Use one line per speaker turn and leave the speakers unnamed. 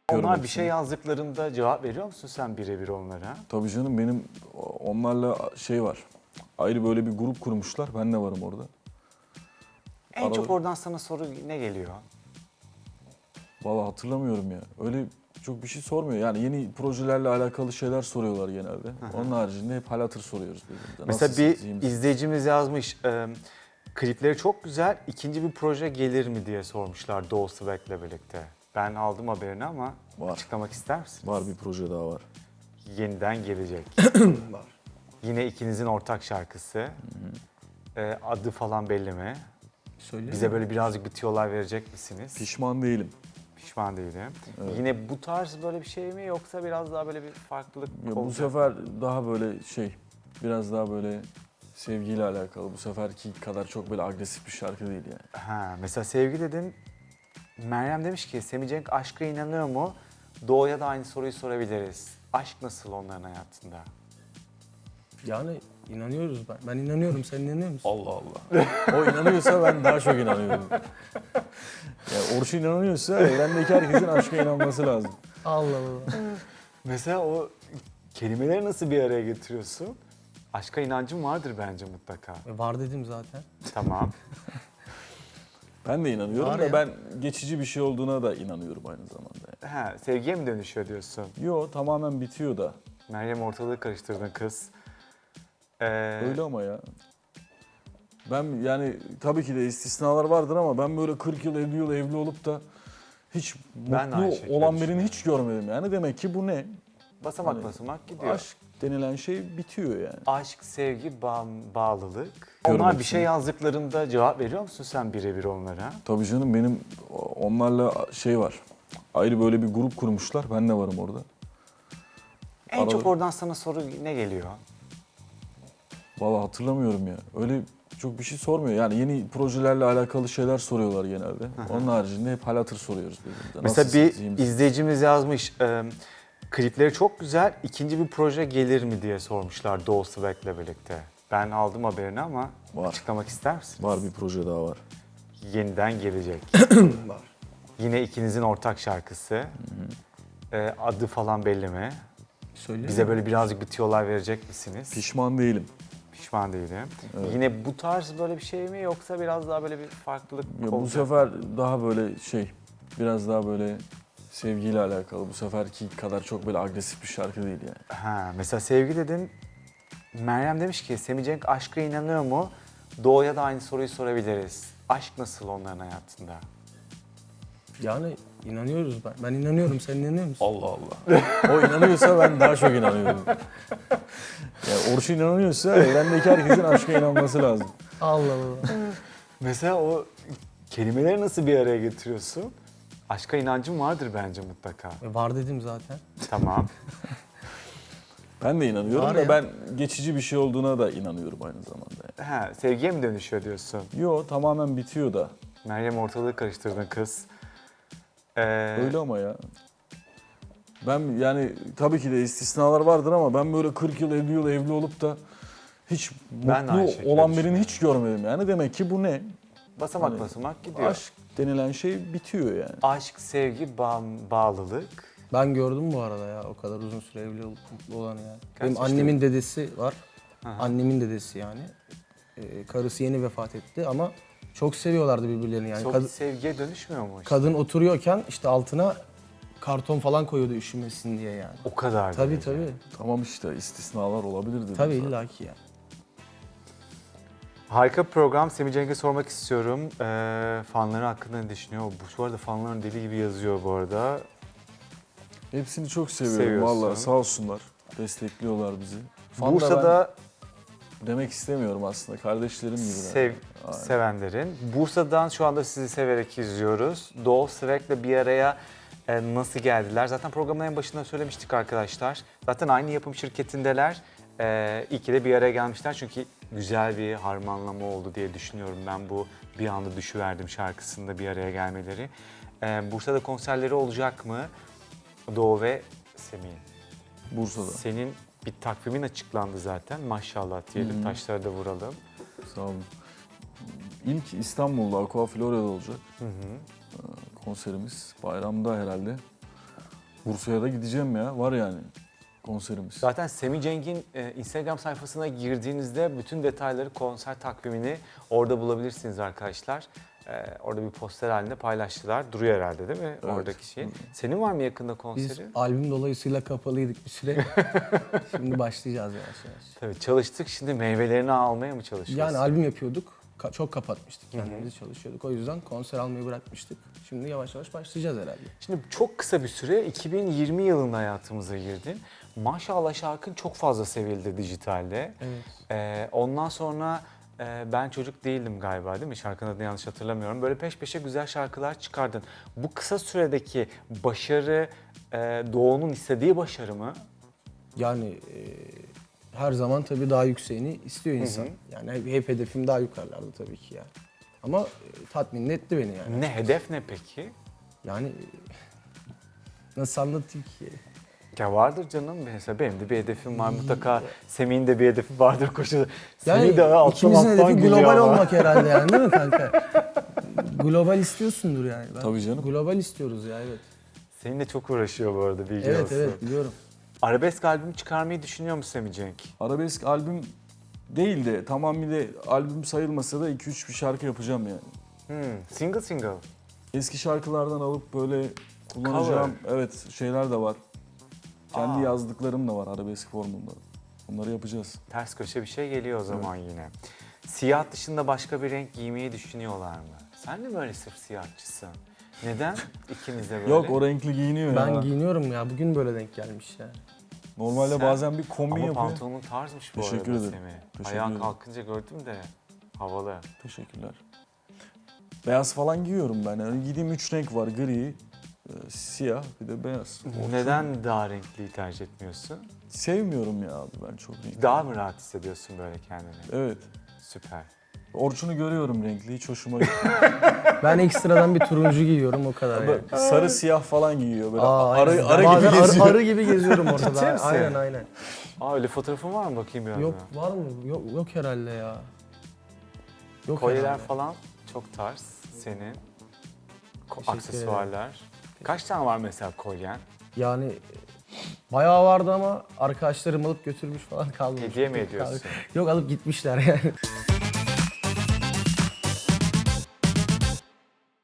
Onlar bir şey yazdıklarında cevap veriyor musun sen birebir onlara?
Tabii canım, benim onlarla şey var. Ayrı böyle bir grup kurmuşlar. Ben de varım orada.
En çok oradan sana soru ne geliyor?
Vallahi hatırlamıyorum ya. Öyle çok bir şey sormuyor. Yani yeni projelerle alakalı şeyler soruyorlar genelde. Onun haricinde hep hal hatır soruyoruz birbirimize.
Mesela
Nasılsınız, iyi
bir
misiniz?
izleyicimiz yazmış, klipleri çok güzel, ikinci bir proje gelir mi diye sormuşlar Doğu Svek'le birlikte. Ben aldım haberini ama
Var.
açıklamak ister misiniz?
Var, bir proje daha var.
Yeniden gelecek.
Var.
Yine ikinizin ortak şarkısı. Adı falan belli mi?
Söyle.
Bize böyle birazcık bir tiyolar verecek misiniz?
Pişman değilim.
Pişman değilim.
Evet.
Yine bu tarz böyle bir şey mi yoksa biraz daha böyle bir farklılık
Ya bu
olacak?
sefer daha böyle biraz daha böyle sevgiyle alakalı. Bu seferki kadar çok böyle agresif bir şarkı değil yani.
Ha, mesela sevgi dedin. Meryem demiş ki Semih Cenk aşka inanıyor mu? Doğu'ya da aynı soruyu sorabiliriz. Aşk nasıl onların hayatında?
Yani inanıyoruz ben. Ben inanıyorum. Sen inanıyor musun?
Allah Allah. O inanıyorsa ben daha çok inanıyorum. Yani Orçun inanıyorsa evrendeki herkesin aşka inanması lazım.
Allah Allah.
Mesela o kelimeleri nasıl bir araya getiriyorsun? Aşka inancın vardır bence mutlaka.
Var dedim zaten.
Tamam.
Ben de inanıyorum
Var
da
ya.
ben geçici bir şey olduğuna da inanıyorum aynı zamanda.
Ha, sevgiye mi dönüşüyor diyorsun?
Yo, tamamen bitiyor da.
Meryem ortalığı karıştırdın kız.
Öyle ama ya. Ben yani tabii ki de istisnalar vardır ama ben böyle 40 yıl 50 yıl evli olup da hiç
Ben de aynı
mutlu
şekilde
olan birini
düşünüyorum.
hiç görmedim yani. Demek ki bu ne?
Basamak
Hani
basamak gidiyor.
Aşk denilen şey bitiyor yani.
Aşk, sevgi, bağlılık.
Görmek
Onlar bir şey
için.
yazdıklarında cevap veriyor musun sen birebir onlara?
Tabii canım, benim onlarla şey var. Ayrı böyle bir grup kurmuşlar. Ben de varım orada.
En çok oradan sana soru ne geliyor?
Vallahi hatırlamıyorum ya. Öyle çok bir şey sormuyor. Yani yeni projelerle alakalı şeyler soruyorlar genelde. Onun haricinde hep hal hatır soruyoruz birbirimize.
Mesela
Nasılsınız, iyi
bir
misiniz?
izleyicimiz yazmış, klipleri çok güzel, ikinci bir proje gelir mi diye sormuşlar Doğu Svek'le birlikte. Ben aldım haberini ama
Var.
açıklamak ister misiniz?
Var, bir proje daha var.
Yeniden gelecek.
Var.
Yine ikinizin ortak şarkısı. Adı falan belli mi?
Söyle.
Bize böyle birazcık bir tiyolar verecek misiniz?
Pişman değilim.
Pişman değilim. Yine bu tarz böyle bir şey mi yoksa biraz daha böyle bir farklılık
Ya bu
olacak?
sefer daha böyle biraz daha böyle sevgiyle alakalı. Bu seferki kadar çok böyle agresif bir şarkı değil yani.
Ha, mesela sevgi dedin. Meryem demiş ki Semih Cenk aşka inanıyor mu? Doğu'ya da aynı soruyu sorabiliriz. Aşk nasıl onların hayatında?
Yani inanıyoruz ben. Ben inanıyorum. Sen inanıyor musun?
Allah Allah. O inanıyorsa ben daha çok inanıyorum. Yani Orçun inanıyorsa evrendeki herkesin aşka inanması lazım.
Allah Allah.
Mesela o kelimeleri nasıl bir araya getiriyorsun? Aşka inancın vardır bence mutlaka.
Var dedim zaten.
Tamam.
Ben de inanıyorum
Var
da
ya.
ben geçici bir şey olduğuna da inanıyorum aynı zamanda.
Ha, sevgiye mi dönüşüyor diyorsun?
Yo, tamamen bitiyor da.
Meryem ortalığı karıştırdın kız.
Öyle ama ya. Ben yani tabii ki de istisnalar vardır ama ben böyle 40 yıl 50 yıl evli olup da hiç
Ben de aynı şekilde
mutlu olan birini
düşünüyorum.
hiç görmedim yani. Demek ki bu ne?
Basamak
Hani
basamak gidiyor.
Aşk denilen şey bitiyor yani.
Aşk, sevgi, bağlılık.
Ben gördüm bu arada ya. O kadar uzun süre evli olup mutlu olanı yani. Benim
yaşta?
annemin dedesi var.
Aha.
Annemin dedesi yani. Karısı yeni vefat etti ama çok seviyorlardı birbirlerini yani.
Çok sevgiye dönüşmüyor mu?
Kadın oturuyorken işte altına karton falan koyuyordu üşümesin diye yani.
O kadar.
Tabii
derece.
tabii.
Tamam işte, istisnalar olabilir dedim
Tabii
zaten.
illaki ya.
Harika bir program. Semih Cenk'e sormak istiyorum. Fanları hakkında ne düşünüyor? Bu arada fanların deli gibi yazıyor bu arada.
Hepsini çok seviyorum
Seviyorsun.
vallahi, sağ olsunlar. Destekliyorlar bizi. Fan da
Bursa'da
ben demek istemiyorum aslında, kardeşlerim gibi. Aynen.
sevenlerin. Bursa'dan şu anda sizi severek izliyoruz. Doğu Svek'le bir araya nasıl geldiler? Zaten programın en başında söylemiştik arkadaşlar. Zaten aynı yapım şirketindeler. İyi ki de bir araya gelmişler çünkü güzel bir harmanlama oldu diye düşünüyorum ben bu Bir Anda Düşüverdim şarkısında bir araya gelmeleri. Bursa'da konserleri olacak mı? Doğu ve Semih'in.
Bursa'da.
Senin bir takvimin açıklandı zaten. Maşallah diyelim, taşları da vuralım.
Sağ olun. İlk İstanbul'da Aqua Florya'da olacak konserimiz. Bayramda herhalde. Bursa'ya da gideceğim ya. Var yani konserimiz.
Zaten Semih Cenk'in Instagram sayfasına girdiğinizde bütün detayları, konser takvimini orada bulabilirsiniz arkadaşlar. Orada bir poster halinde paylaştılar. Duruyor herhalde değil mi oradaki şey? Senin var mı yakında
Biz
konseri?
albüm dolayısıyla kapalıydık bir süre. Şimdi başlayacağız yavaş yavaş.
Tabii çalıştık, şimdi meyvelerini almaya mı çalışıyoruz?
Yani albüm yapıyorduk. Çok kapatmıştık kendimizi, çalışıyorduk. O yüzden konser almayı bırakmıştık. Şimdi yavaş yavaş başlayacağız herhalde.
Şimdi çok kısa bir süre 2020 yılında hayatımıza girdin. Maşallah şarkın çok fazla sevildi dijitalde.
Evet.
Ondan sonra ben çocuk değildim galiba değil mi? Şarkının adını yanlış hatırlamıyorum. Böyle peş peşe güzel şarkılar çıkardın. Bu kısa süredeki başarı Doğu'nun istediği başarı mı?
Yani her zaman tabii daha yükseğini istiyor insan. Yani hep hedefim daha yukarılarda tabii ki yani. Ama tatmin etti beni yani.
Ne hedef ne peki?
Yani nasıl anlatayım ki?
Ya vardır canım. Mesela benim de bir hedefim var mutlaka. Semih'in de bir hedefi vardır koşu.
Yani
Semih de alttan
ikimizin
alttan
hedefi
gülüyor
global
ama.
olmak herhalde yani değil mi kanka? Global istiyorsundur yani.
Tabii canım.
Global istiyoruz ya, evet.
Seninle çok uğraşıyor bu arada bilgi
Evet
olsun.
evet biliyorum.
Arabesk albüm çıkarmayı düşünüyor musun Semih Cenk?
Arabesk albüm değil de tamamıyla albüm sayılmasa da 2-3 bir şarkı yapacağım yani.
Single single.
Eski şarkılardan alıp böyle kullanacağım şeyler de var. Kendi yazdıklarım da var arabesk formunda. Onları yapacağız.
Ters köşe bir şey geliyor o zaman yine. Siyah dışında başka bir renk giymeyi düşünüyorlar mı? Sen de mi öyle sırf siyahçısın? Neden ikiniz de böyle?
Yok, o renkli giyiniyor
Ben
ya.
giyiniyorum ya, bugün böyle denk gelmiş yani.
Normalde
Sen-
bazen bir kombin
Ama
yapıyor.
pantolonun tarzmış bu
Teşekkür
arada
ederim.
Semih.
Teşekkür
Ayağın
ederim.
kalkınca gördüm de havalı.
Teşekkürler. Beyaz falan giyiyorum ben. Yani giydiğim 3 renk var. Gri, siyah, bir de beyaz.
Neden daha renkliyi tercih etmiyorsun?
Sevmiyorum ya abi ben çok renkli.
Daha mı rahat hissediyorsun böyle kendini?
Evet.
Süper.
Orçun'u görüyorum renkli. Hiç hoşuma gitmiyor.
Ben ekstradan bir turuncu giyiyorum, o kadar yani.
Sarı siyah falan giyiyor. Böyle
Aynen.
arı
Bazen
gibi geziyor.
arı gibi geziyorum ortada.
Ciddi misin?
Aynen aynen.
Öyle fotoğrafın var mı bakayım biraz
Yok
daha?
var mı? Yok herhalde ya. Yok
Kolyeler
herhalde.
falan çok tarz senin.
Teşekkür
Aksesuarlar. Kaç tane var mesela kolyen?
Yani bayağı vardı ama arkadaşlarım alıp götürmüş falan, kalmamış.
Hediye mi ediyorsun?
Yok, alıp gitmişler yani.